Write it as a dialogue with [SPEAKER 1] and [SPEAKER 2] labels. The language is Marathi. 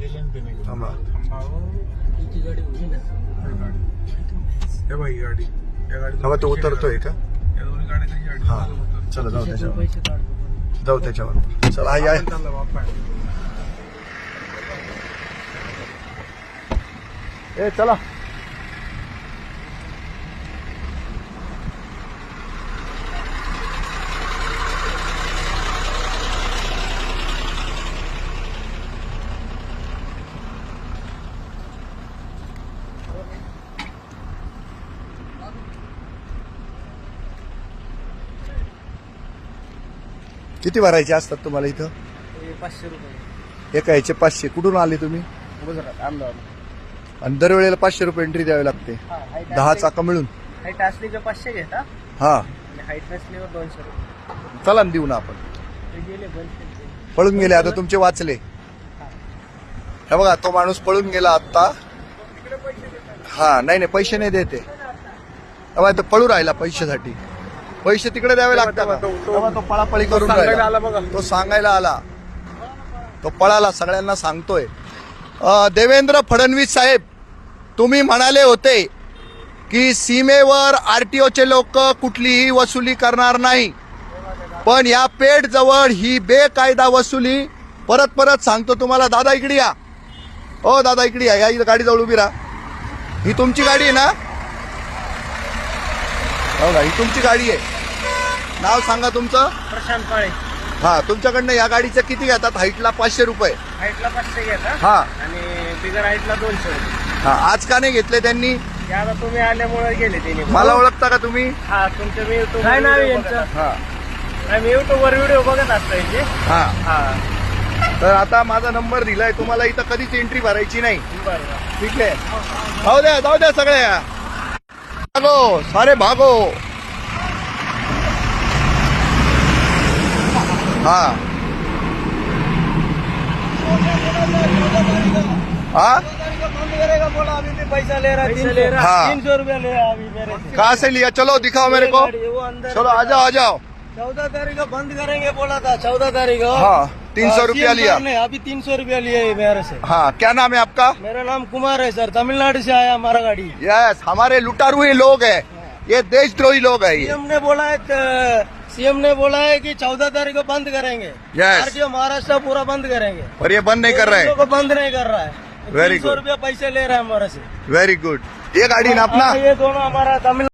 [SPEAKER 1] थांबा.
[SPEAKER 2] हे बाई गाडी या गाडी
[SPEAKER 1] थांबा, तो उतरतोय का?
[SPEAKER 2] या दोन्ही गाड्या त्याची गाडी
[SPEAKER 1] हा चला जाऊ त्याच्यावर, जाऊ त्याच्यावर. चला आई आहे.
[SPEAKER 2] चालला बाप्पा
[SPEAKER 1] ए चला. किती भरायचे असतात तुम्हाला इथं?
[SPEAKER 3] 500 रुपये.
[SPEAKER 1] एका ह्याचे 500. कुठून आले तुम्ही?
[SPEAKER 3] गुजरात अहमदाबाद.
[SPEAKER 1] आणि दरवेळेला 500 रुपये एंट्री द्यावी लागते. 10 चाका मिळून.
[SPEAKER 3] हाईट असली की 500 घेता
[SPEAKER 1] हा
[SPEAKER 3] आणि हाईट नसल्यावर 200 रुपये.
[SPEAKER 1] चला ना देऊ ना आपण.
[SPEAKER 3] ते गेले बंद केले.
[SPEAKER 1] पळून गेले, आता तुमचे वाचले. हे बघा, तो माणूस पळून गेला आता. हा नाही पैसे नाही देते. तो पळू राहिला पैशासाठी. पैसे तिकडे द्यावे लागतात. तेव्हा तो पळापळी करून राहिला. तो सांगायला आला, तो पळाला, सगळ्यांना सांगतोय. देवेंद्र फडणवीस साहेब, तुम्ही म्हणाले होते की सीमेवर आरटीओचे लोक कुठलीही वसुली करणार नाही, पण या पेठ जवळ ही बेकायदा वसुली. परत परत सांगतो तुम्हाला. दादा इकडे या. ओ दादा इकडे या. या गाडी जवळ उभी राहा. ही तुमची गाडी आहे ना? हो ना, ही तुमची गाडी आहे. नाव सांगा तुमचं?
[SPEAKER 3] प्रशांत काळे.
[SPEAKER 1] हा, तुमच्याकडनं या गाडीचं किती घेतात? हाईटला 500 रुपये.
[SPEAKER 3] हाईटला 500 घेता
[SPEAKER 1] हा
[SPEAKER 3] आणि बिगर हाईटला 200 रुपये.
[SPEAKER 1] हा, आज का नाही घेतले त्यांनी?
[SPEAKER 3] ते आता तुम्ही आल्यामुळे गेले त्यांनी.
[SPEAKER 1] मला ओळखता का तुम्ही?
[SPEAKER 3] हा, तुमच्या मी युट्यूब काय नाव यांचं?
[SPEAKER 1] हा
[SPEAKER 3] मी युट्यूबवर व्हिडिओ बघत असतो यांचे.
[SPEAKER 1] हा.
[SPEAKER 3] हा
[SPEAKER 1] तर आता माझा नंबर दिलाय तुम्हाला. इथं कधीच एंट्री भरायची नाही.
[SPEAKER 3] बरं.
[SPEAKER 1] ठीक आहे, जाऊ द्या सगळ्या. भागो सारे भागो. हा हाँ
[SPEAKER 3] बंद करेगा बोला. अभी भी पैसा ले रहा है. 300 रुपया ले रहा अभी मेरे से.
[SPEAKER 1] कहाँ से लिया? चलो दिखाओ मेरे को.
[SPEAKER 3] वो अंदर.
[SPEAKER 1] चलो आ जाओ.
[SPEAKER 3] 14 तारीख को बंद करेंगे बोला था. 14 तारीख को.
[SPEAKER 1] हाँ 300 रुपया लिया.
[SPEAKER 3] अभी 300 रुपया लिए मेरे से.
[SPEAKER 1] हाँ, क्या नाम है आपका?
[SPEAKER 3] मेरा नाम कुमार है सर. तमिलनाडु से आया हमारा गाड़ी.
[SPEAKER 1] यस, हमारे लुटारू ही लोग हैं ये, देशद्रोही लोग हैं ये.
[SPEAKER 3] सीएम ने बोला है कि 14 तारीख को बंद करेंगे.
[SPEAKER 1] Yes.
[SPEAKER 3] आरटीओ महाराष्ट्र पूरा बंद करेंगे.
[SPEAKER 1] और ये बंद नहीं कर रहे हैं.
[SPEAKER 3] को बंद नहीं कर रहा है.
[SPEAKER 1] Very
[SPEAKER 3] 300
[SPEAKER 1] good.
[SPEAKER 3] रुपया पैसे ले रहा है हमारे से.
[SPEAKER 1] Very good. ये गाड़ी ना अपना?
[SPEAKER 3] ये दोनों हमारा तमिल